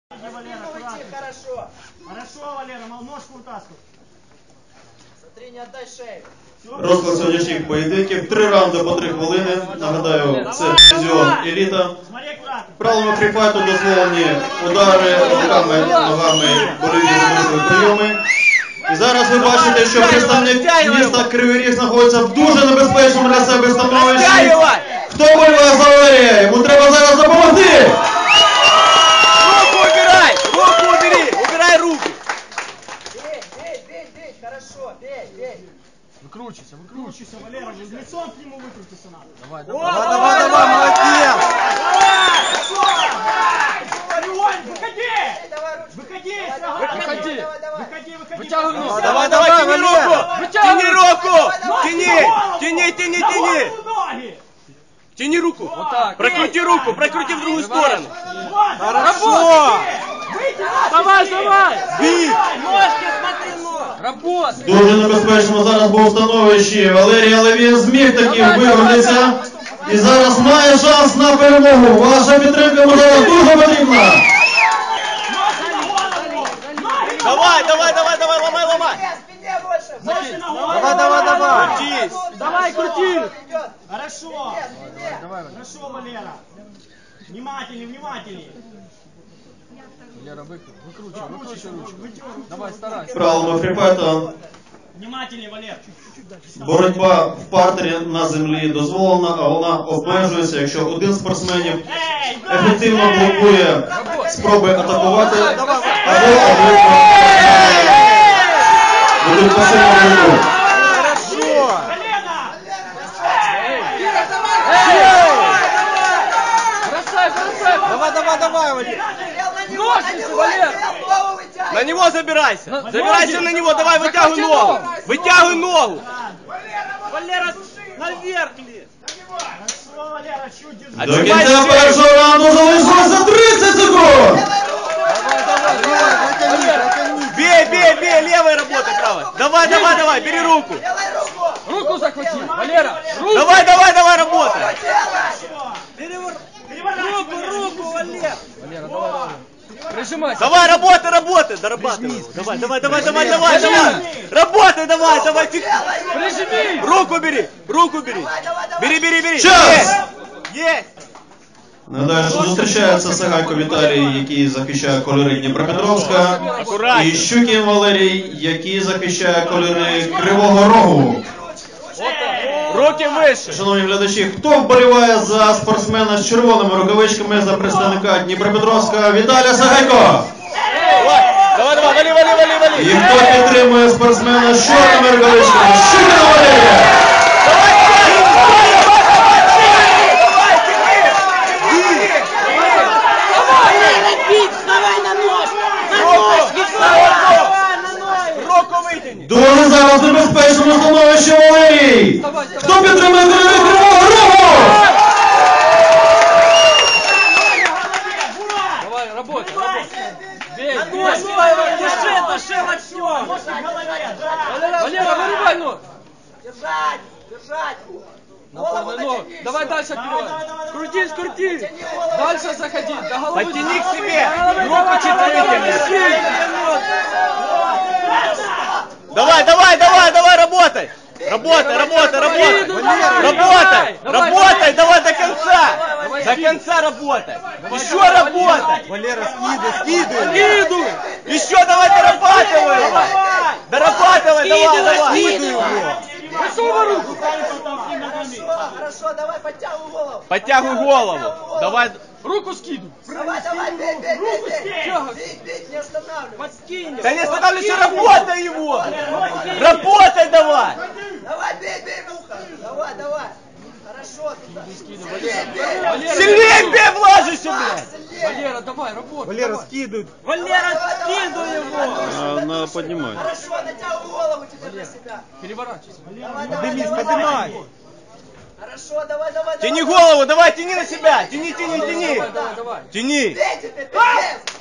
Валера, хорошо. Хорошо, Валера, ножку вытаскивай. Смотри, не отдай шею. Розклад сьогоднішніх поєдинків. 3 раунди по 3 хвилини. Нагадаю, це дивізіон еліта. Правилами фріфайту дозволені удари руками, ногами, больові замислові прийоми. І зараз ви бачите, що представник міста Кривий Ріг знаходиться в дуже небезпечному для себе становищі. Хто боліває за Валерія? Йому треба зараз допомогти! Руку убирай! Руку убери! Убирай руки! Бей, хорошо, бей. Выкручивайся, Валера, лицом к нему выкрутиться надо. Давай, молодец! Выходи! Вытягивай ногу! Давай, тяни руку! Тяни руку! Тяни! Тяни руку! Вот так! Прокрути руку! Прокрути в другую сторону! Хорошо! Давай! Бей! Ножки, смотри, нож! Работай! Дуже небезпечному зараз був становищі Валерій, але він зміг таки вивернутися. І зараз має шанс на перемогу. Ваша підтримка йому зараз дуже потрібна. Давай, ломай! Спине больше! Давай! Крутись! Давай, крути! Идет! Хорошо! Давай. Хорошо, Валера! Внимательней! Лера, выкручивай ручку. Давай, старайся. Правилами фріфайту Внимательней, Валер! боротьба в партері на землі дозволена, а вона обмежується, якщо один з спортсменів ефективно блокує спроби атакувати або ведуть пасивну руку. Давай, Валер! Ножницы, Валер! На него забирайся! Забирайся на него, давай, вытягивай ногу! Вытягивай ногу! Валера, наверх лезь! Хорошо, Валера, чуть держи! До кінця першого раунду залишилося 30 секунд! Бей, левой работай, правой! Давай, бери руку! Руку захвати! Валера! Давай, работай! Руку, Валер! Валера, давай! Прижимайся! Давай, работай! Дорабатывай! Давай! Работай, давай! Прижми! Руку бери! Бери! Час! Есть! Нагадаю, що зустрічається Сагайко Віталій, який захищає кольори Дніпропетровська, і Щукін Валерій, який захищає кольори Кривого Рогу. Руки вище! Шановні глядачі, хто вболіває за спортсмена з червоними рукавичками за представника Дніпропетровська Віталія Сагайко? Давай, вали! І хто підтримує спортсмена з чорними рукавичками Щукіна Валерія? Дуже зараз небезпечному становищі Валерій! Хто підтримує кольори Кривого Рогу? Давай, работай! Души во всем! Валера, вырубай ног! Держать! Голову натяни! Давай дальше открывай! Крути! Дальше заходи! До головы! Подтяни к себе! Руку чуть вытяни! Давай, работай! Работай, давай до конца! До конца работай! Еще работай! Валера, скидывай! Еще давай дорабатывай! Давай! Высовывай руку! Хорошо, давай, Подтягивай голову! Давай! Руку скидывай! Давай, бей! Бей, не останавливай! Подкинь! Да не останавливайся, работай его! Работай давай! Давай, бей, муха! Давай! Хорошо! Сильнее бей, влажайся, блядь! Валера, давай, работай! Валера, скидывай! Валера, скидывай его! Надо поднимать. Хорошо, натягивай голову теперь на себя! Переворачивайся! Давай! Хорошо, давай! Тяни голову, давай, тяни на себя! Тяни! Давай! Тяни! Бей теперь!